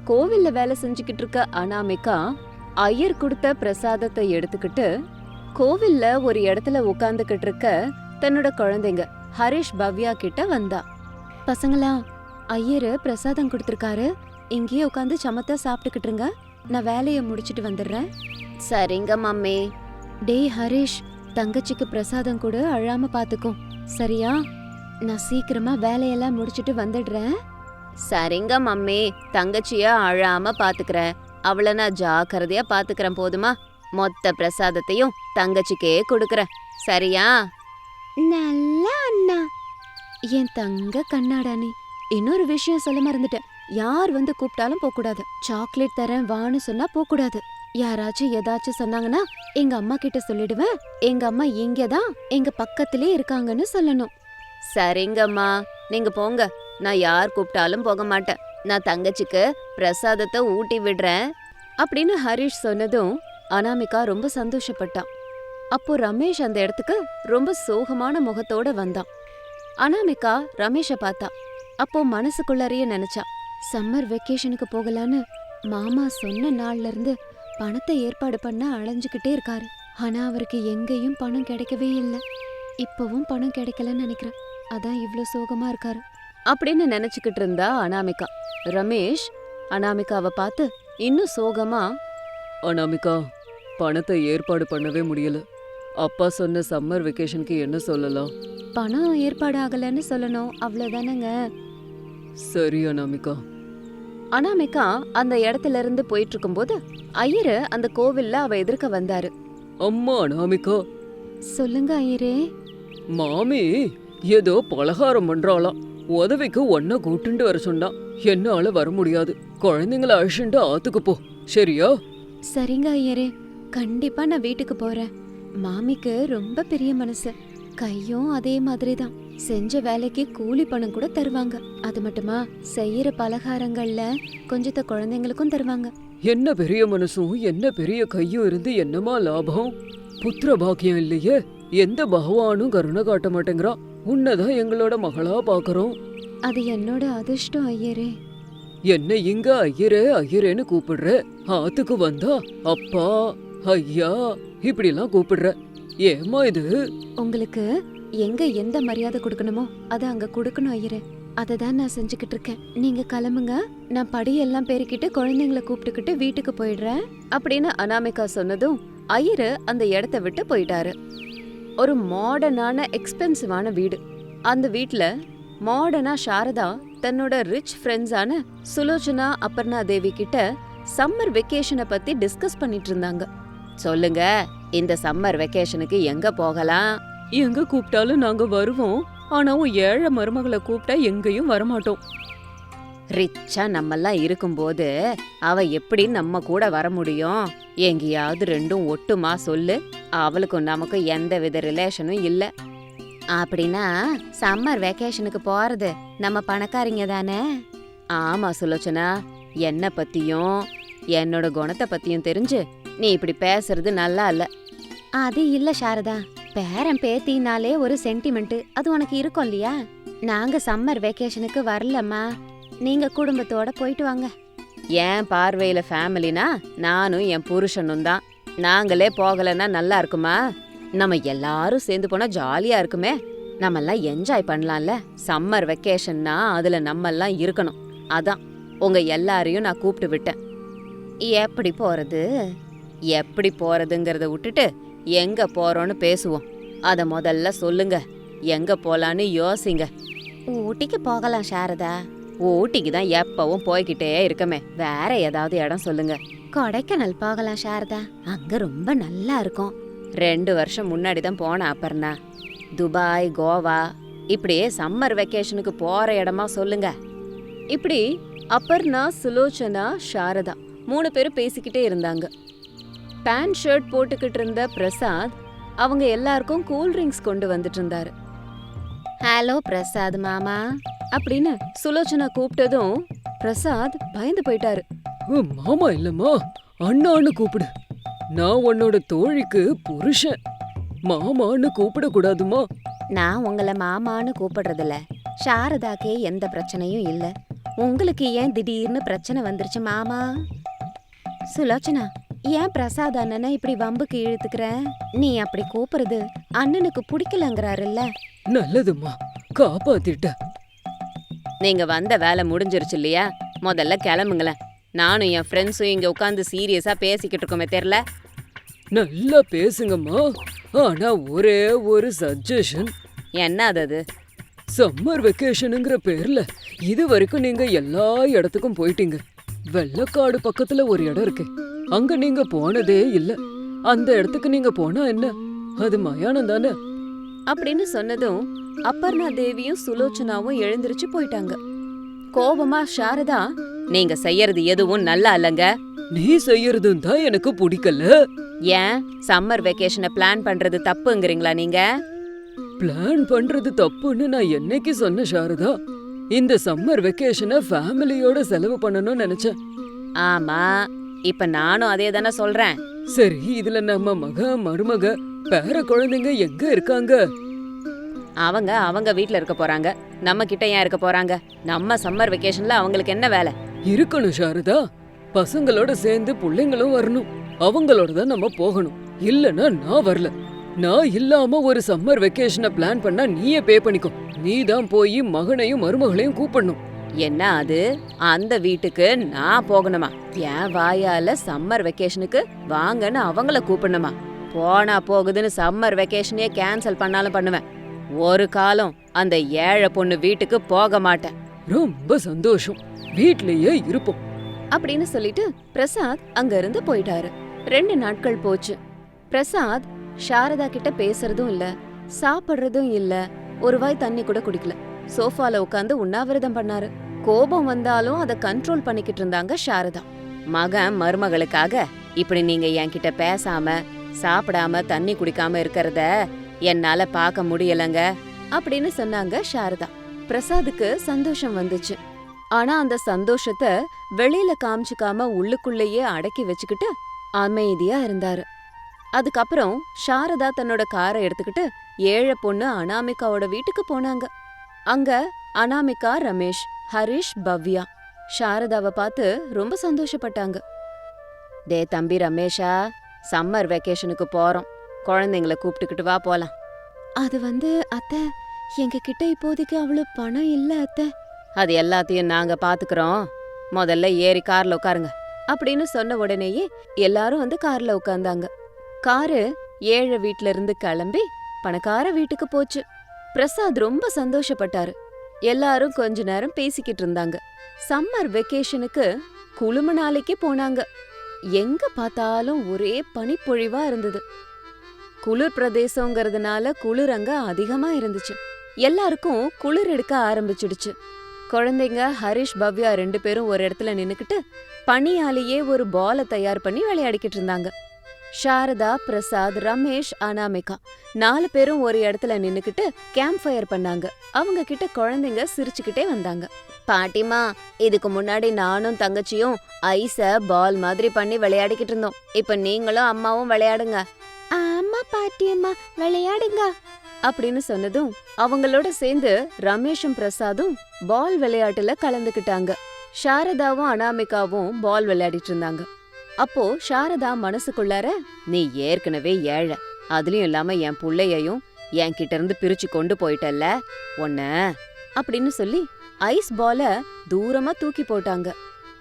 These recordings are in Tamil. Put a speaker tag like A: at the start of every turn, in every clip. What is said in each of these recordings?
A: கோவில்ல வேலை செஞ்சுக்கிட்டு இருக்க அனாமிகா ஐயர் கொடுத்த பிரசாதத்தை எடுத்துக்கிட்டு கோவில்ல ஒரு இடத்துல உட்கார்ந்துகிட்டு இருக்க தன்னோட குழந்தைங்க ஹரிஷ் பவ்யா கிட்ட வந்தா. பசங்களா, ஐயரு பிரசாதம் கொடுத்திருக்காரு, இங்கேயே உட்காந்து சமத்தா சாப்பிட்டுக்கிட்டுருங்க, நான் வேலைய முடிச்சிட்டு வந்துடுறேன். சரிங்க மம்மி. டேய் ஹரிஷ், தங்கச்சிக்கு பிரசாதம் கூட அழாம பாத்துக்கோ, சரியா? நான் சீக்கிரமா வேலையெல்லாம் முடிச்சிட்டு வந்துடுறேன். சரிங்க மம்மி, தங்கச்சிய அழாம பாத்துக்கிறேன், அவளை நான் ஜாக்கிரதையா பாத்துக்கிறேன், போதுமா? மொத்த பிரசாதத்தையும் தங்கச்சிக்கே கொடுக்கறேன், சரியா? நல்ல அண்ணா. என் தங்க கண்ணாடானி, இன்னொரு விஷயம் சொல்ல மறந்துட்டேன். யார் வந்து கூப்பிட்டாலும் போக கூடாது. சாக்லேட் தரேன் வான்னு சொன்னா போக கூடாது. யாராச்சும் ஏதாச்சும் சொன்னாங்கன்னா எங்க அம்மா கிட்ட சொல்லிடுவேன், எங்க அம்மா இங்கதான் எங்க பக்கத்திலே இருக்காங்கன்னு சொல்லணும். சரிங்கம்மா, நீங்க போங்க, நான் யார் கூப்பிட்டாலும் போக மாட்டேன், நான் தங்கச்சிக்கு பிரசாதத்தை ஊட்டி விடுறேன் அப்படின்னு ஹரிஷ் சொன்னதும் அனாமிகா ரொம்ப சந்தோஷப்பட்டான். அப்போ ரமேஷ் அந்த இடத்துக்கு ரொம்ப சோகமான முகத்தோட வந்தான். அனாமிகா ரமேஷ பார்த்தா. அப்போ மனசுக்குள்ளாரையே நினைச்சா, சம்மர் வெக்கேஷனுக்கு போகலான்னு மாமா சொன்ன நாள்ல இருந்து பணத்தை ஏற்பாடு பண்ண அலைஞ்சுக்கிட்டே இருக்காரு. ஆனா அவருக்கு எங்கேயும் பணம் கிடைக்கவே இல்லை. இப்பவும் பணம் கிடைக்கலன்னு நினைக்கிறேன், அதான் இவ்ளோ சோகமா இருக்காரு அப்படின்னு நினைச்சுக்கிட்டு இருந்தா அனாமிகா. ரமேஷ் அனாமிகாவை பார்த்து இன்னும் சோகமா,
B: அனாமிகா, பணத்தை ஏற்பாடு பண்ணவே முடியல. அப்பா சொன்ன சம்மர் வெக்கேஷனுக்கு என்ன சொல்லலாம்?
A: பணம் ஏற்பாடு ஆகலன்னு சொல்லணும், அவ்வளவுதானங்க.
B: சரி அனாமிகா.
A: அனாமிகா அந்த இடத்துல இருந்து போயிட்டு இருக்கும்போது ஐயரு அந்த கோவில்ல அவ எதிர்க்க வந்தாரு.
B: அம்மா அனாமிகா.
A: சொல்லுங்க ஐயரே.
B: மாமி ஏதோ பலகாரம் பண்றாளாம், உதவிக்கு ஒன்ன கூட்டுண்டு வர சொன்னா. என்னால வர முடியாது, குழந்தைங்கள அழிச்சுண்டு ஆத்துக்கு போ, சரியா?
A: சரிங்க ஐயரே, கண்டிப்பா நான் வீட்டுக்கு போறேன். மாமிக்கு ரொம்ப பெரிய மனசு, கையும் அதே மாதிரிதான். செஞ்ச வேலைக்கு கூலி பணம் கூட தருவாங்க. அது மட்டுமா, செய்யற பலகாரங்கள்ல கொஞ்சத்த குழந்தைங்களுக்கும் தருவாங்க.
B: என்ன பெரிய மனசும் என்ன பெரிய கையும் இருந்து என்னமா லாபம்? புத்திர பாக்கியம் இல்லையே, எந்த பகவானும் கருணை காட்ட மாட்டேங்கிறான். உன்னதான் எங்களோட மகளா பாக்குறோம்.
A: அது என்னோட அதிர்ஷ்டம் ஐயரே.
B: என்ன இங்க ஐயரே ஐயரேன்னு கூப்பிடுற, ஆத்துக்கு வந்தா அப்பா ஐயா இப்படி எல்லாம் கூப்பிடுற, ஏமா இது?
A: உங்களுக்கு எங்க எந்த மரியாதை கொடுக்கணுமோ அத அங்க கொடுக்கணும் ஐயரே, அததான் நான் செஞ்சுக்கிட்டு இருக்கேன். நீங்க கிளம்புங்க, நான் படியெல்லாம் பெருக்கிட்டு குழந்தைங்களை கூப்பிட்டுக்கிட்டு வீட்டுக்கு போயிடுறேன் அப்படின்னு அனாமிகா சொன்னதும் ஐயரு அந்த இடத்த விட்டு போயிட்டாரு. ஒரு மாடர்னான எக்ஸ்பென்சிவான வீடு. அந்த வீட்ல மாடர்னா சாரதா தன்னோட ரிச் ஃப்ரெண்ட்ஸான சுலோச்சனா அபர்ணா தேவி கிட்ட சம்மர் வெக்கேஷனை பத்தி டிஸ்கஸ் பண்ணிட்டு இருந்தாங்க. சொல்லுங்க, இந்த சம்மர் வெக்கேஷனுக்கு எங்க போகலாம்?
B: எங்க கூப்பிட்டாலும் நாங்க வருவோம், ஆனா ஏழை மருமகளை கூப்பிட்டா எங்கேயும் வரமாட்டோம்.
A: ரிச்சா நம்மெல்லாம் இருக்கும்போது அவ எப்படி நம்ம கூட வர முடியும்? எங்கேயாவது ரெண்டும் ஒட்டுமா சொல்லு, அவளுக்கும் நமக்கும் எந்த வித ரிலேஷனும் இல்ல. அப்படின்னா சம்மர் வெக்கேஷனுக்கு போறது நம்ம பணக்காரிங்க தானே? ஆமா சுலோச்சனா, என்ன பத்தியும் என்னோட குணத்தை பத்தியும் தெரிஞ்சு நீ இப்படி பேசுறது நல்லா இல்ல. அது இல்ல சாரதா, பேரன் பேத்தினாலே ஒரு சென்டிமெண்ட் அது உனக்கு இருக்கும் இல்லையா? நாங்க சம்மர் வெக்கேஷனுக்கு வரலம்மா, நீங்க குடும்பத்தோட போயிட்டு வாங்க. என் பார்வையில ஃபேமிலினா நானும் என் புருஷனும் தான். நாங்களே போகலன்னா நல்லா இருக்குமா? நம்ம எல்லாரும் சேர்ந்து போனா ஜாலியா இருக்குமே, நம்மெல்லாம் என்ஜாய் பண்ணலாம்ல. சம்மர் வெக்கேஷன்னா அதுல நம்மெல்லாம் இருக்கணும், அதான் உங்க எல்லாரையும் நான் கூப்பிட்டு விட்டேன். எப்படி போறது? எப்படி போறதுங்கிறத விட்டுட்டு எங்க போறோன்னு பேசுவோம். அத முதல்ல சொல்லுங்க, எங்க போலான்னு யோசிங்க. ஊட்டிக்கு போகலாம் சாரதா. ஊட்டிக்கு தான் எப்பவும் போய்கிட்டே இருக்கமே, வேற ஏதாவது இடம் சொல்லுங்க. கொடைக்கானல் போகலாம் சாரதா, அங்க ரொம்ப நல்லா இருக்கும். 2 வருஷம் முன்னாடி தான் போனேன் அபர்ணா. துபாய், கோவா இப்படியே சம்மர் வெக்கேஷனுக்கு போற இடமா சொல்லுங்க. இப்படி அபர்ணா, சுலோச்சனா, சாரதா 3 பேரும் பேசிக்கிட்டே இருந்தாங்க. பேண்ட் ஷர்ட் போட்டுக்கிட்டு இருந்த பிரசாத் அவங்க எல்லாருக்கும் கூல் ட்ரிங்க்ஸ் கொண்டு வந்துட்டு இருந்தாரு. ஹலோ பிரசாத் மாமா அப்படின்னு சுலோச்சனா கூப்பிட்டதும் பிரசாத் பயந்து போயிட்டாரு.
B: மாமா இல்லம்மா, அண்ணான்னு கூப்பிடு. நான் உன்னோட தோழிக்கு புருஷன், மாமான்னு கூப்பிட கூடாதுமா.
A: நான் உங்களை மாமான்னு கூப்பிடுறதில்ல, சாரதாக்கே எந்த பிரச்சனையும் இல்ல. உங்களுக்கு ஏன் திடீர்னு பிரச்சனை வந்துருச்சு மாமா? சுலோச்சனா, ஏன் பிரசாத் அண்ணனை இப்படி வம்புக்கு இழுத்துக்கிற? நீ அப்படி கூப்பிடுறது அண்ணனுக்கு பிடிக்கலங்கிறாருல்ல.
B: நல்லதும்மா, காப்பாத்திட்ட.
A: நீங்க வந்த வேலை முடிஞ்சிருச்சு இல்லையா? முதல்ல கிளம்புங்களேன். நானும் என் ஃப்ரெண்ட்ஸும் இங்க உட்காந்து சீரியஸா பேசிக்கிட்டு இருக்கோமே தெரியல.
B: நல்லா பேசுங்கம்மா. ஆனா ஒரே ஒரு சஜஷன்.
A: என்ன அது?
B: சம்மர் வெக்கேஷனுங்கிற பேர்ல இது வரைக்கும் நீங்க எல்லா இடத்துக்கும் போயிட்டீங்க. வெள்ளக்காடு பக்கத்துல ஒரு இடம் இருக்கு, அங்க நீங்க போனதே இல்ல. அந்த இடத்துக்கு நீங்க போனா என்ன? அது மயானம் தானே.
A: அப்படின்னு சொன்னதும் அப்பர்ணா தேவியும் சுலோச்சனாவும் எழுந்திருச்சு போயிட்டாங்க. கோபமா சாரதா, நீங்க செய்யறது எதுவும் நல்லா இல்லங்க.
B: நீ செய்யறதும் தான் எனக்கு பிடிக்கல.
A: ஏன் சம்மர் வெக்கேஷனை பிளான் பண்றது தப்புங்கிறீங்களா நீங்க?
B: பிளான் பண்றது தப்புன்னு நான் என்னைக்கு சொன்ன சாரதா? இந்த சம்மர் வெக்கேஷனை ஃபேமிலியோட செலவு பண்ணணும்னு நினைச்சேன்.
A: ஆமா, இப்ப நானும் அதே தானே சொல்றேன்.
B: சரி, இதுல நம்ம மருமக பேர குழந்தைங்க எங்க இருக்காங்க?
A: அவங்க வீட்ல இருக்க போறாங்க. நம்ம கிட்ட ஏன் இருக்க போறாங்க? நம்ம சம்மர் வெக்கேஷன்ல அவங்களுக்கு என்ன வேலை?
B: இருக்கணும் சாரதா. பசங்களோட சேர்ந்து பிள்ளைங்களும் வரணும். அவங்களோட தான் நம்ம போகணும். இல்லனா நான் வரல. நான் இல்லாம ஒரு சம்மர் வெக்கேஷனை பிளான் பண்ணா நீயே பே பண்ணிக்கோ. நீ தான் போய் மகனையும் மருமகளையும் கூப்பிடணும்.
A: என்ன அது? அந்த வீட்டுக்கு நான் போகணுமா? என் வாயால சம்மர் வெக்கேஷனுக்கு வாங்கன்னு அவங்கள கூப்பிடணுமா? போனா போகுதுன்னு சம்மர் வெக்கேஷனையே கேன்சல் பண்ணாலும் பண்ணுவேன். ஒரு காலம் அந்த ஏழை பொண்ணு வீட்டுக்கு போக மாட்டேன்.
B: ரொம்ப சந்தோஷம், வீட்லயே இருப்போம்
A: அப்படின்னு சொல்லிட்டு பிரசாத் அங்க இருந்து போயிட்டாரு. 2 நாட்கள் போச்சு. பிரசாத் சாரதா கிட்ட பேசுறதும் இல்ல, சாப்பிடுறதும் இல்ல, ஒரு வாய் தண்ணி கூட குடிக்கல. சோஃபால உட்காந்து உண்ணாவிரதம் பண்ணாரு. கோபம் வந்தாலும் அதை கண்ட்ரோல் பண்ணிக்கிட்டு இருந்தாங்க சாரதா. மகன் மருமகளுக்காக இப்படி நீங்க என்கிட்ட பேசாம சாப்பிடாம தண்ணி குடிக்காம இருக்கறத என்னால பார்க்க முடியலங்க அப்படின்னு சொன்னாங்க சாரதா. பிரசாதுக்கு சந்தோஷம் வந்துச்சு. ஆனா அந்த சந்தோஷத்தை வெளியில காமிச்சுக்காம உள்ளுக்குள்ளேயே அடக்கி வச்சுக்கிட்டு அமைதியா இருந்தாரு. அதுக்கப்புறம் சாரதா தன்னோட காரை எடுத்துக்கிட்டு ஏழை பொண்ணு அனாமிகாவோட வீட்டுக்கு போனாங்க. அங்க அனாமிகா, ரமேஷ், ஹரிஷ், பவ்யா சாரதாவை பார்த்து ரொம்ப சந்தோஷப்பட்டாங்க. டே தம்பி ரமேஷா, சம்மர் வெக்கேஷனுக்கு போறோம், குழந்தைங்கள கூப்பிட்டுக்கிட்டு வா போலாம். அது அத்தை, எங்க கிட்ட இப்போதைக்கு அவ்வளவு பணம் இல்ல அத்தை. அது எல்லாத்தையும் நாங்க பாத்துக்கிறோம், முதல்ல ஏறி கார்ல உட்காருங்க அப்படின்னு சொன்ன உடனேயே எல்லாரும் கார்ல உட்கார்ந்தாங்க. காரு ஏழை வீட்ல இருந்து கிளம்பி பணக்கார வீட்டுக்கு போச்சு. பிரசாத் ரொம்ப சந்தோஷப்பட்டாரு. எல்லாரும் கொஞ்ச நேரம் பேசிக்கிட்டு இருந்தாங்க. சம்மர் வெக்கேஷனுக்கு குளுமணாலிக்கு போனாங்க. எங்க பார்த்தாலும் ஒரே பனிப்பொழிவா இருந்தது. குளிர் பிரதேசங்கிறதுனால குளிர் அங்க அதிகமா இருந்துச்சு. எல்லாருக்கும் குளிர் எடுக்க ஆரம்பிச்சிடுச்சு. குழந்தைங்க ஹரிஷ், பவ்யா 2 பேரும் ஒரு இடத்துல நின்னுக்கிட்டு பனியாலேயே ஒரு பாலை தயார் பண்ணி விளையாடிக்கிட்டு இருந்தாங்க. சாரதா, பிரசாத், ரமேஷ், அனாமிகா 4 பேரும் ஒரு இடத்துல நின்னுக்கிட்டு கேம்ப் ஃபயர் பண்ணாங்க. அவங்க கிட்ட குழந்தைங்க சிரிச்சுக்கிட்டே வந்தாங்க. பாட்டிமா, இதுக்கு முன்னாடி நானும் தங்கச்சியும் ஐஸ பால் மாதிரி பண்ணி விளையாடிக்கிட்டு இருந்தோம். இப்ப நீங்களும் அம்மாவும் விளையாடுங்க. ஆமா பாட்டியம்மா, விளையாடுங்க அப்படின்னு சொன்னதும் அவங்களோட சேர்ந்து ரமேஷும் பிரசாதும் பால் விளையாட்டுல கலந்துக்கிட்டாங்க. சாரதாவும் அனாமிகாவும் பால் விளையாடிட்டு இருந்தாங்க. அப்போ சாரதா மனசுக்குள்ளார, நீ ஏற்கனவே ஏழை, அதுலயும் இல்லாம என் புள்ளையையும் என் கிட்ட இருந்து பிரிச்சு கொண்டு போயிட்டல்ல ஒன்ன அப்படின்னு சொல்லி ஐஸ் பால தூரமா தூக்கி போட்டாங்க.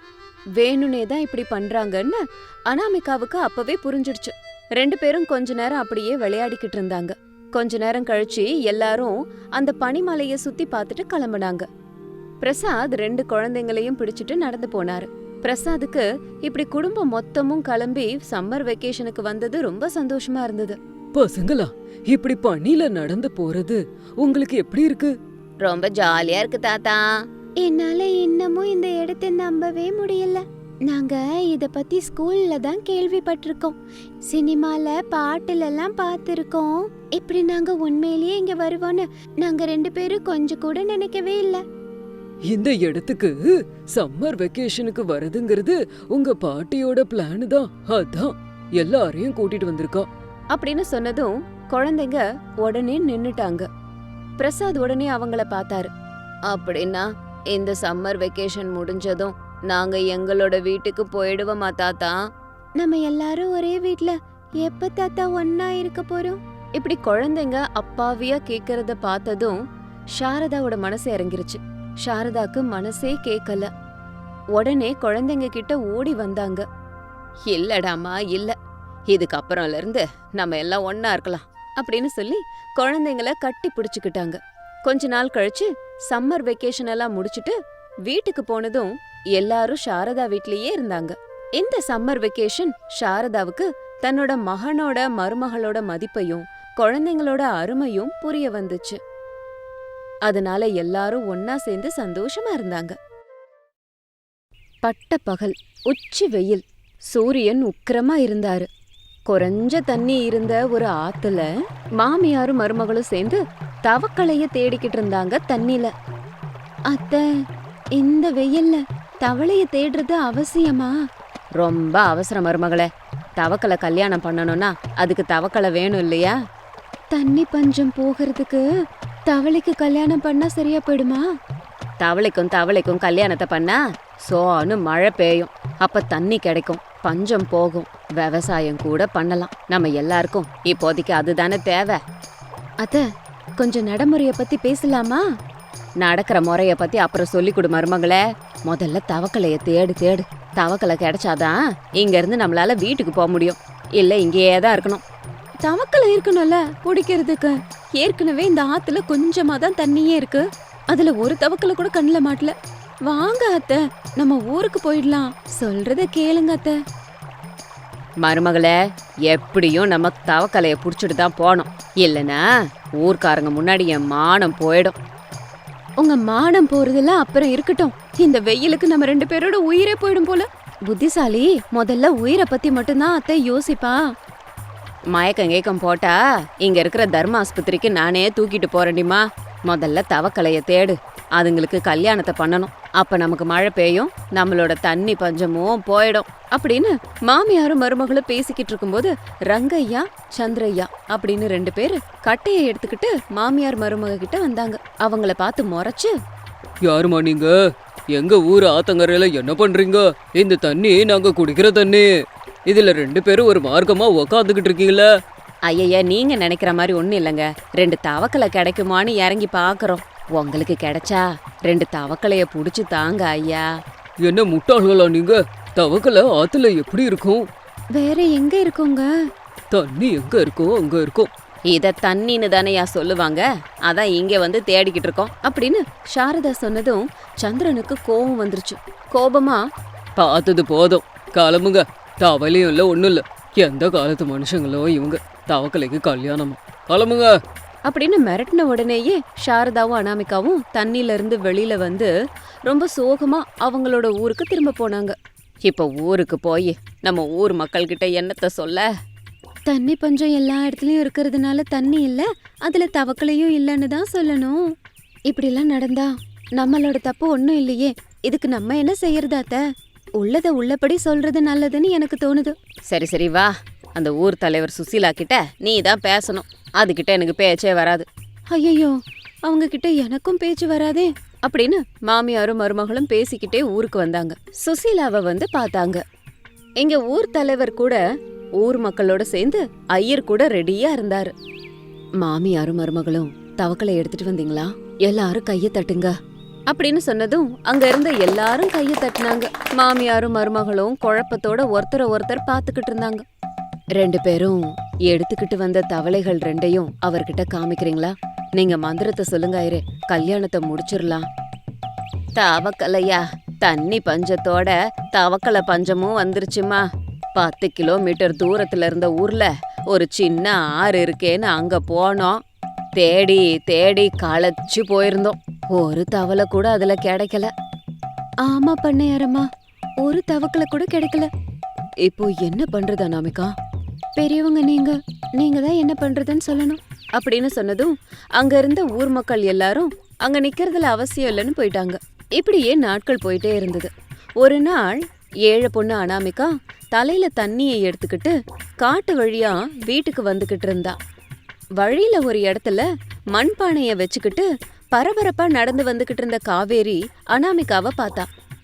A: வேணுனே தான் இப்படி பண்றாங்கன்னு அனாமிகாவுக்கு அப்பவே புரிஞ்சிடுச்சு. 2 பேரும் கொஞ்ச நேரம் அப்படியே விளையாடிக்கிட்டு இருந்தாங்க. கொஞ்ச நேரம் கழிச்சு எல்லாரும் அந்த பனிமலைய சுத்தி பார்த்துட்டு கிளம்புனாங்க. பிரசாத் 2 குழந்தைங்களையும் பிடிச்சிட்டு நடந்து போனாரு. பிரசாதுக்கு இப்படி குடும்பம் மொத்தமும் கிளம்பி சம்மர் வெக்கேஷனுக்கு வந்தது ரொம்ப சந்தோஷமா இருந்தது.
B: பசங்களா, இப்படி பனில நடந்து போறது உங்களுக்கு எப்படி இருக்கு?
A: ரொம்ப ஜாலியா இருக்கு தாத்தா. என்னால இன்னமும் இந்த இடத்தை நம்பவே முடியல. நாங்க இத பத்தி ஸ்கூல்ல தான் கேள்விப்பட்டிருக்கோம், சினிமால பாட்டுல எல்லாம் பார்த்திருக்கோம். இப்படி நாங்க உண்மையிலேயே இங்க வருவோம்னு நாங்க 2 பேரும் கொஞ்சம் கூட நினைக்கவே இல்ல.
B: இந்த இடத்துக்கு சம்மர் வெக்கேஷனுக்கு வரதுங்கிறது உங்க பாட்டியோட பிளான் தான். அதான் எல்லாரையும் கூட்டிட்டு வந்திருக்கா
A: அப்படின்னு சொன்னதும் குழந்தைங்க உடனே நின்னுட்டாங்க. பிரசாத் உடனே அவங்கள பார்த்தாரு. அப்படின்னா இந்த சம்மர் வெக்கேஷன் முடிஞ்சதும் நாங்க எங்களோட வீட்டுக்கு போயிடுவோமா தாத்தா? நம்ம எல்லாரும் ஒரே வீட்ல எப்ப தாத்தா ஒன்னா இருக்க போறோம்? இப்படி குழந்தைங்க அப்பாவியா கேக்குறத பார்த்ததும் சாரதாவோட மனசு இறங்கிருச்சு. சாரதாக்கு மனசே கேக்கல. உடனே குழந்தைங்க கிட்ட ஓடி வந்தாங்க. இல்லடாமா இல்ல, இதுக்கப்புறம்ல இருந்து நம்ம எல்லாம் ஒன்னா இருக்கலாம் அப்படின்னு சொல்லி குழந்தைங்கள கட்டி பிடிச்சுக்கிட்டாங்க. கொஞ்ச நாள் கழிச்சு சம்மர் வெக்கேஷன் எல்லாம் முடிச்சிட்டு வீட்டுக்கு போனதும் எல்லாரும் சாரதா வீட்லயே இருந்தாங்க. இந்த சம்மர் வெக்கேஷன் சாரதாவுக்கு தன்னோட மகனோட மருமகளோட மதிப்பையும் குழந்தைங்களோட அருமையும் புரிய வந்துச்சு. அதனால எல்லாரும் ஒன்னா சேர்ந்து சந்தோஷமா இருந்தாங்க. பட்ட பகல், உச்சி வெயில், சூரியன் உக்கிரமா இருந்தாரு. குறைஞ்ச தண்ணி இருந்த ஒரு ஆத்துல மாமியாரும் மருமகளும் சேர்ந்து தவக்களைய தேடிக்கிட்டு இருந்தாங்க தண்ணில. அத்தை, இந்த வெயில்ல தவளைய தேடுறது அவசியமா? ரொம்ப அவசரம் மருமகளே. தவக்கலை கல்யாணம் பண்ணணும்னா அதுக்கு தவக்கலை வேணும் இல்லையா? தண்ணி பஞ்சம் போகிறதுக்கு தவளைக்கு கல்யாணம் பண்ணா சரியா போயிடுமா? தவளைக்கும் கல்யாணத்தை பண்ணா சோன்னு மழை பெய்யும். அப்ப தண்ணி கிடைக்கும், பஞ்சம் போகும், விவசாயம் கூட பண்ணலாம். நம்ம எல்லாருக்கும் இப்போதைக்கு அதுதானே தேவை. அத்த, கொஞ்சம் நடைமுறைய பத்தி பேசலாமா? நடக்கிற முறைய பத்தி அப்புறம் சொல்லி கொடு மருமகளே. முதல்ல தவக்கலைய தேடு. தவக்கலை கிடைச்சாதான் இங்க இருந்து நம்மளால வீட்டுக்கு போக முடியும். இல்ல இங்கேயே தான் இருக்கணும். தவக்கலை இருக்கணும்ல குடிக்கிறதுக்கு. ஏற்கனவே இந்த ஆத்துல கொஞ்சமா தான் தண்ணியே இருக்கு. அதுல ஒரு தவக்கலை கூட கண்ணுல மாட்டல. வாங்க அத்தை, நம்ம ஊருக்கு போயிடலாம். சொல்றத கேளுங்க அத்தை. மருமகளே, எப்படியும் நம்ம தவக்கலைய புடிச்சிட்டு தான் போனோம். இல்லனா ஊர்க்காரங்க முன்னாடி என் மானம் போயிடும். உங்க மானம் போறதெல்லாம் அப்புறம் இருக்கட்டும். இந்த வெயிலுக்கு நம்ம 2 பேரோட உயிரே போயிடும் போல. புத்திசாலி முதல்ல உயிரை பத்தி மட்டும்தான் அத்தை யோசிப்பா. மயக்கம் போட்டா இங்க இருக்கிற தர்ம ஆஸ்பத்திரிக்கு நானே தூக்கிட்டு போறேன்டிமா. முதல்ல தவக்கலைய தேடு. அதுங்களுக்கு கல்யாணத்தை பண்ணணும். அப்ப நமக்கு மழை பெய்யும், நம்மளோட தண்ணி பஞ்சமும் போயிடும் அப்படின்னு மாமியாரும் மருமகளும் பேசிக்கிட்டு இருக்கும்போது ரங்கையா சந்திரையா அப்படின்னு 2 பேரு கட்டையை எடுத்துக்கிட்டு மாமியார் மருமக கிட்ட வந்தாங்க. அவங்கள பார்த்து முறைச்சு,
B: யாருமா நீங்க? எங்க ஊர் ஆத்தங்கரையில என்ன பண்றீங்க? இந்த தண்ணி நாங்க குடிக்கிற தண்ணி. இதுல 2 பேரும் ஒரு மார்க்கமா உக்காந்துக்கிட்டு இருக்கீங்களா?
A: ஐயா, நீங்க நினைக்கிற மாதிரி ஒண்ணும் இல்லைங்க. 2 தவக்கலை கிடைக்குமான்னு இறங்கி பாக்குறோம். உங்களுக்கு கிடைச்சா 2 தவக்கலைய புடிச்சு தாங்க ஐயா.
B: என்ன முட்டாள்களா நீங்க? தவக்கலை ஆத்துல எப்படி இருக்கும்?
A: வேற எங்க இருக்குங்க?
B: தண்ணி எங்க இருக்கோ அங்க இருக்கும்.
A: இத தண்ணின்னு தானேயா சொல்லுவாங்க. அதான் இங்க வந்து தேடிக்கிட்டு இருக்கோம் அப்படின்னு சாரதா சொன்னதும் சந்திரனுக்கு கோபம் வந்துருச்சு. கோபமா,
B: பார்த்தது போதும், கிளம்புங்க. தவலையும் இல்ல ஒண்ணும் இல்ல. எந்த காலத்து மனுஷங்களோ இவங்க. தவக்கலைக்கு கல்யாணமா? கிளம்புங்க
A: அப்படின்னு மிரட்டின உடனேயே சாரதாவும் அனாமிகாவும் தண்ணில இருந்து வெளியில வந்து ரொம்ப சோகமா அவங்களோட ஊருக்கு திரும்ப போனாங்க. இப்ப ஊருக்கு போய் நம்ம ஊர் மக்கள் கிட்ட என்னத்த சொல்ல? தண்ணி பஞ்சம் எல்லா இடத்துலயும் இருக்கிறதுனால தண்ணி இல்ல, அதுல தவக்கலையும் இல்லன்னு தான் சொல்லணும். இப்படி எல்லாம் நடந்தா நம்மளோட தப்பு ஒண்ணும் இல்லையே. இதுக்கு நம்ம என்ன செய்யறதாத்த? உள்ளத உள்ளபடி சொல்றது நல்லதுன்னு எனக்கு தோணுது. சரி வா, அந்த ஊர் தலைவர் சுசீலா கிட்ட நீ தான் பேசணும். அதுகிட்ட எனக்கு பேச்சே வராது. ஐயோ, அவங்க கிட்ட எனக்கும் பேச்சு வராதே அப்படின்னு மாமியாரும் மருமகளும் பேசிக்கிட்டே ஊருக்கு வந்தாங்க. சுசீலாவை வந்து பார்த்தாங்க. எங்க ஊர் தலைவர் கூட ஊர் மக்களோட சேர்ந்து ஐயர் கூட ரெடியா இருந்தாரு. மாமியாரும் மருமகளும் தவக்கலை எடுத்துட்டு வந்தீங்களா? எல்லாரும் கைய தட்டுங்க அப்படின்னு சொன்னதும் அங்க இருந்த எல்லாரும் கைய தட்டினாங்க. மாமியாரும் மருமகளும் குழப்பத்தோட ஒருத்தர் பாத்துக்கிட்டு இருந்தாங்க. 2 பேரும் எடுத்துக்கிட்டு வந்த தவளைகள் 2ஐயும் அவர்கிட்ட காமிக்கிறீங்களா? நீங்க மந்திரத்தை சொல்லுங்க ஐயரே, கல்யாணத்தை முடிச்சிடலாம். தவக்கலையா? தண்ணி பஞ்சத்தோட தவக்கலை பஞ்சமும் வந்துருச்சுமா. 10 கிலோமீட்டர் தூரத்துல இருந்த ஊர்ல ஒரு சின்ன ஆறு இருக்கேன்னு அங்க போனோம். தேடி களைச்சு போயிருந்தோம். ஒரு தவளை கூட அதுல கிடைக்கல. ஆமா பண்ணையாரம்மா, ஒரு தவக்கலை கூட கிடைக்கல. இப்போ என்ன பண்றது அனாமிகா? பெரியவங்க நீங்க தான் என்ன பண்றதுன்னு சொல்லணும் அப்படின்னு சொன்னதும் அங்க இருந்த ஊர் மக்கள் எல்லாரும் அங்க நிக்கிறதுல அவசியம் இல்லைன்னு போயிட்டாங்க. இப்படியே நாட்கள் போயிட்டே இருந்தது. ஒரு நாள் ஏழை பொண்ணு அனாமிகா தலையில தண்ணியை எடுத்துக்கிட்டு காட்டு வழியா வீட்டுக்கு வந்துகிட்டு இருந்தா. வழியில ஒரு இடத்துல மண்பானைய வச்சுக்கிட்டு பரபரப்பா நடந்து வந்துகிட்டு இருந்த காவேரி அனாமிகாவை பார்த்தா.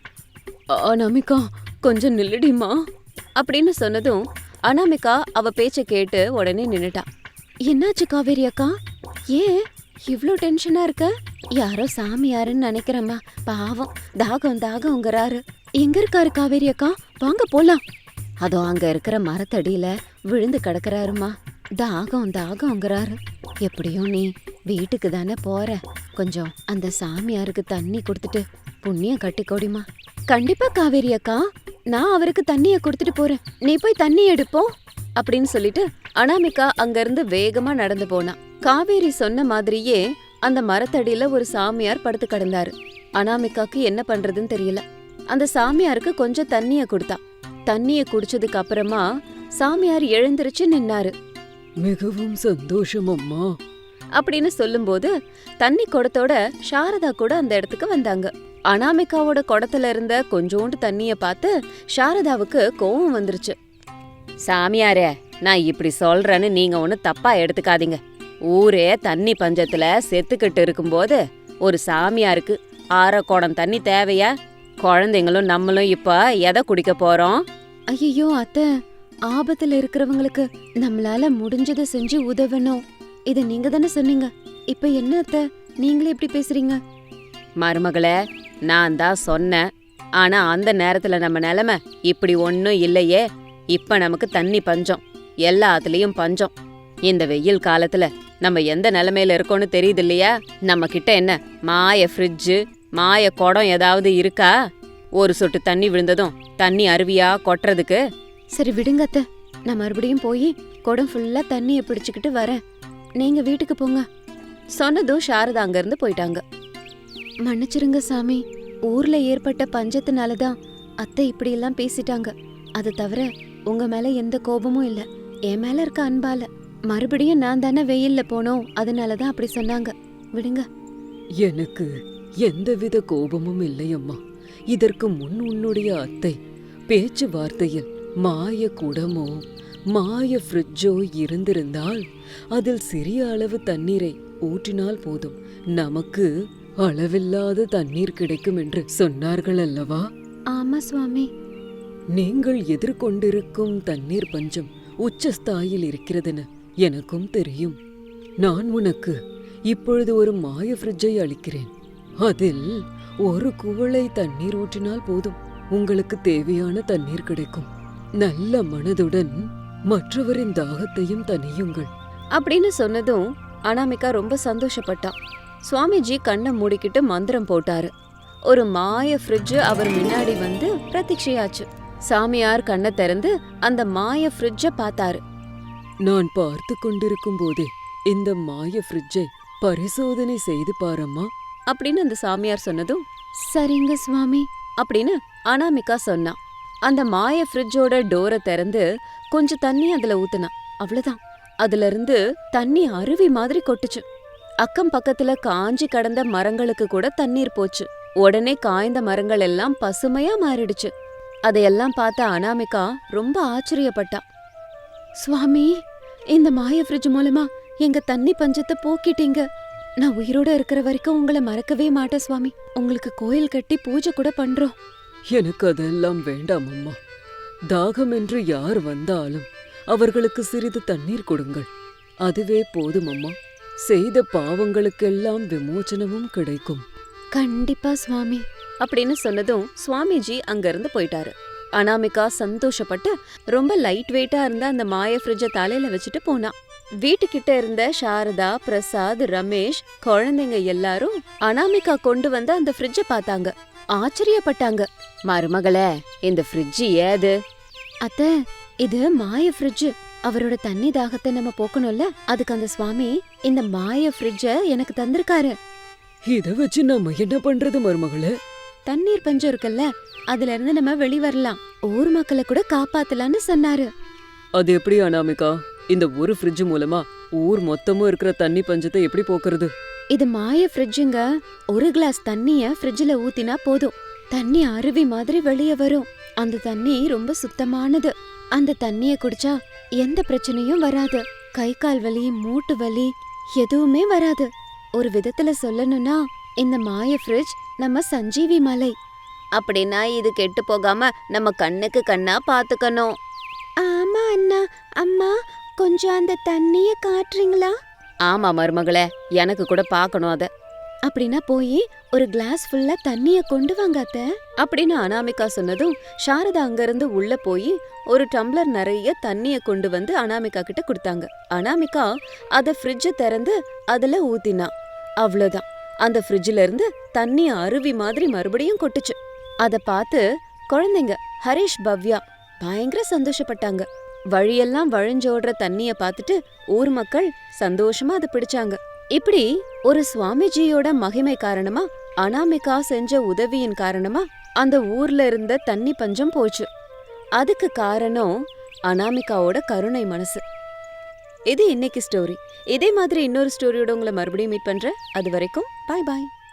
B: அனாமிகா கொஞ்சம் நில்லுடிமா
A: அப்படின்னு சொன்னதும் அனாமிகா அவ பேச்ச கேட்டு உடனே நின்னுட்டா. என்னாச்சு காவேரி அக்கா? ஏன் இவ்ளோ டென்ஷனா இருக்க? யாரோ சாமியாருன்னு நினைக்கிறேம்மா. பாவம் தாகம்ங்கிறாரு. எங்க இருக்காரு காவேரி அக்கா? வாங்க போலாம். அதோ அங்க இருக்கிற மரத்தடியில விழுந்து கிடக்குறாருமா. தாகம்ங்கிறாரு. எப்படியும் நீ வீட்டுக்கு தானே போற, கொஞ்சம் அந்த சாமியாருக்கு தண்ணி கொடுத்துட்டு புண்ணியம் கட்டிக்கோடிமா. கண்டிப்பா காவேரி அக்கா, நான் அவருக்கு தண்ணிய கொடுத்துட்டு போறேன். நீ போய் தண்ணி எடுப்போம் அப்படின்னு சொல்லிட்டு அனாமிகா அங்கிருந்து வேகமா நடந்து போனா. காவேரி சொன்ன மாதிரியே அந்த மரத்தடியில ஒரு சாமியார் படுத்து கிடந்தாரு. அனாமிகாக்கு என்ன பண்றதுன்னு தெரியல. அந்த சாமியாருக்கு கொஞ்சம் தண்ணிய கொடுத்தா. தண்ணிய குடிச்சதுக்கு அப்புறமா சாமியார் எழுந்திருச்சு நின்னாரு.
B: மிகவும் சந்தோஷம் அம்மா
A: அப்படின்னு சொல்லும்போது தண்ணி குடத்தோட சாரதா கூட அந்த இடத்துக்கு வந்தாங்க. அனாமிகாவோட குடத்துல இருந்த கொஞ்சோண்டு தண்ணிய பார்த்து சாரதாவுக்கு கோவம் வந்துருச்சு. சாமியாரே, நான் இப்படி சொல்றேன்னு நீங்க ஒண்ணு தப்பா எடுத்துக்காதீங்க. ஊரே தண்ணி பஞ்சத்துல செத்துக்கிட்டு இருக்கும்போது ஒரு சாமியாருக்கு 1/2 குடம் தண்ணி தேவையா? குழந்தைங்களும் நம்மளும் இப்ப எதை குடிக்க போறோம்? ஐயோ அத்தை, ஆபத்துல இருக்கிறவங்களுக்கு நம்மளால முடிஞ்சதை செஞ்சு உதவணும். இத நீங்க தானே சொன்னீங்க. இப்ப என்ன அத்தை, நீங்களே இப்படி பேசுறீங்க? மருமகளே, நான் தான் சொன்னேன். ஆனா அந்த நேரத்துல நம்ம நிலைமை இப்படி ஒன்னும் இல்லையே. இப்ப நமக்கு தண்ணி பஞ்சம், எல்லாத்துலயும் பஞ்சம். இந்த வெயில் காலத்துல நம்ம எந்த நிலைமையில இருக்கோம்னு தெரியுது இல்லையா? நம்ம கிட்ட என்ன மாய ஃப்ரிட்ஜு, மாய குடம் ஏதாவது இருக்கா? ஒரு சொட்டு தண்ணி விழுந்ததும் தண்ணி அருவியா கொட்டுறதுக்கு. சரி விடுங்க அத்தை, நான் மறுபடியும் போய் குடம் ஃபுல்லா தண்ணிய பிடிச்சுக்கிட்டு வரேன். நீங்க வீட்டுக்கு போங்க. சொன்னதும் சாரதா அங்க இருந்து போயிட்டாங்க. மன்னிச்சிருங்க சாமி, ஊர்ல ஏற்பட்ட பஞ்சத்தினாலதான் அத்தை இப்படி எல்லாம் பேசிட்டாங்க. அது தவிர உங்க மேல எந்த கோபமும் இல்ல, என் மேல இருக்க அன்பால. மறுபடியும் நான் தானே வெயில்ல போனோம், அதனாலதான் அப்படி சொன்னாங்க. விடுங்க.
B: எனக்கு எந்தவித கோபமும் இல்லை அம்மா. இதற்கு முன் உன்னுடைய அத்தை பேச்சுவார்த்தையில் மாய குடமோ மாய ஃப்ரிட்ஜோ இருந்திருந்தால் அதில் சிறிய அளவு தண்ணீரை ஊற்றினால் போதும், நமக்கு அளவில்லாத தண்ணீர் கிடைக்கும் என்று சொன்னார்கள் அல்லவா?
A: ஆமா சுவாமி.
B: நீங்கள் எதிர்கொண்டிருக்கும் தண்ணீர் பஞ்சம் உச்சஸ்தாயில் இருக்கிறதுன்னு எனக்கும் தெரியும். நான் உனக்கு இப்பொழுது ஒரு மாய ஃப்ரிட்ஜை அளிக்கிறேன். அதில் ஒரு குவளை தண்ணீர் ஊற்றினால் போதும், உங்களுக்கு தேவையான தண்ணீர் கிடைக்கும். நல்ல மனதுடன் மற்றவரின் தாகத்தையும் தணியுங்கள்
A: அப்படின்னு சொன்னதும் அனாமிகா ரொம்ப சந்தோஷப்பட்டா. சுவாமிஜி கண்ணை மூடிக்கிட்டு மந்திரம் போட்டாரு. ஒரு மாய ஃப்ரிட்ஜ் அவர் முன்னாடி வந்து பிரதீட்சையாச்சு. சாமியார் கண்ணை திறந்து அந்த மாய ஃப்ரிட்ஜ பார்த்தாரு.
B: நான் பார்த்து கொண்டிருக்கும் போதே இந்த மாய ஃப்ரிட்ஜை பரிசோதனை செய்து பாரம்மா
A: அப்படின்னு அந்த சாமியார் சொன்னதும் சரிங்க சுவாமி அப்படின்னு அனாமிகா சொன்னா. அந்த மாய ஃப்ரிட்ஜோட டோரை திறந்து கொஞ்சம் தண்ணி அதுல ஊத்துனா. அவ்வளவுதான், அதுல இருந்து தண்ணி அருவி மாதிரி கொட்டுச்சு. அக்கம் பக்கத்துல காஞ்சி கடந்த மரங்களுக்கு கூட தண்ணீர் போச்சு. உடனே காய்ந்த மரங்கள் எல்லாம் பசுமையா மாறிடுச்சு. அதையெல்லாம் பார்த்த அனாமிகா ரொம்ப ஆச்சரியப்பட்டா. சுவாமி, இந்த மாய ஃப்ரிட்ஜ் மூலமா எங்க தண்ணி பஞ்சத்தை போக்கிட்டீங்க. நான் உயிரோட இருக்கிற வரைக்கும் உங்களை மறக்கவே மாட்டேன் சுவாமி. உங்களுக்கு கோயில் கட்டி பூஜை கூட பண்றோம்.
B: எனக்கு அதெல்லாம் வேண்டாம் அம்மா. தாகம் என்று யார் வந்தாலும் அவர்களுக்கு சிறிது தண்ணீர் கொடுங்கள், அதுவே போதும் அம்மா. செய்த பாவங்களுக்கெல்லாம் விமோச்சனமும் கிடைக்கும்.
A: கண்டிப்பா சுவாமி அப்படின்னு சொன்னதும் சுவாமிஜி அங்க இருந்து போயிட்டாரு. அனாமிகா சந்தோஷப்பட்டு ரொம்ப லைட் வெயிட்டா இருந்த அந்த மாய ஃப்ரிட்ஜ தலையில வச்சுட்டு போனா. வீட்டுக்கிட்ட இருந்த சாரதா, பிரசாத், ரமேஷ், குழந்தைங்க எல்லாரும் அனாமிகா கொண்டு வந்த அந்த ஃப்ரிட்ஜ பார்த்தாங்க. ஆச்சரியப்பட்டாங்க. மருமகளே, இந்த ஃப்ரிட்ஜ் ஏது? அத்தை, இது மாய ஃப்ரிட்ஜ். அவரோட தண்ணி தாகத்தை நம்ம போக்கணும்ல, அதுக்கு அந்த சுவாமி இந்த மாய ஃப்ரிட்ஜ எனக்கு தந்திருக்காரு.
B: இத வச்சு நம்ம என்ன பண்றது மருமகளே?
A: தண்ணீர் பஞ்சம் இருக்குல்ல, அதுல இருந்து நம்ம வெளி வரலாம், ஊர் மக்களை கூட காப்பாத்தலாம்னு சொன்னாரு.
B: அது எப்படி அனாமிகா? இந்த ஒரு ஃப்ரிட்ஜ் மூலமா ஊர் மொத்தமும் இருக்கிற தண்ணி பஞ்சத்தை எப்படி போக்குறது?
A: இது மாய ஃப்ரிட்ஜுங்க. ஒரு கிளாஸ் தண்ணிய ஃப்ரிட்ஜ்ல ஊத்தினா போதும், தண்ணி அருவி மாதிரி வெளியே வரும். அந்த தண்ணி ரொம்ப சுத்தமானது. அந்த தண்ணிய குடிச்சா எந்த பிரச்சனையும் வராது. கை கால் வலி, மூட்டு வலி எதுவுமே வராது. ஒரு விதத்துல சொல்லணும்னா இந்த மாய ஃப்ரிட்ஜ் நம்ம சஞ்சீவி மலை. அப்படின்னா இது கெட்டு போகாம நம்ம கண்ணுக்கு கண்ணா பாத்துக்கணும். ஆமா அண்ணா. அம்மா, கொஞ்சம் அந்த தண்ணிய காட்டுறீங்களா? ஆமா மருமகளே, எனக்கு கூட பார்க்கணும் அத. அப்படின்னா போய் ஒரு கிளாஸ் ஃபுல்லா தண்ணிய கொண்டு வாங்க அத்த அப்படின்னு அனாமிகா சொன்னதும் சாரதா அங்கிருந்து உள்ள போய் ஒரு டம்ளர் நிறைய தண்ணிய கொண்டு வந்து அனாமிகா கிட்ட கொடுத்தாங்க. அனாமிகா அத ஃப்ரிட்ஜ திறந்து அதுல ஊத்தினா. அவ்வளவுதான், அந்த ஃப்ரிட்ஜ்ல இருந்து தண்ணி அருவி மாதிரி மறுபடியும் கொட்டுச்சு. அத பார்த்து குழந்தைங்க ஹரிஷ், பவ்யா பயங்கர சந்தோஷப்பட்டாங்க. வழியெல்லாம் வழிஞ்சோடுற தண்ணிய பார்த்துட்டு ஊர் மக்கள் சந்தோஷமா அதை பிடிச்சாங்க. இப்படி ஒரு சுவாமிஜியோட மகிமை காரணமா, அனாமிகா செஞ்ச உதவியின் காரணமா அந்த ஊர்ல இருந்த தண்ணி பஞ்சம் போச்சு. அதுக்கு காரணம் அனாமிகாவோட கருணை மனசு. இது இன்னைக்கு ஸ்டோரி. இதே மாதிரி இன்னொரு ஸ்டோரியோட உங்களை மறுபடியும் மீட் பண்றேன். அது வரைக்கும் பாய் பாய்.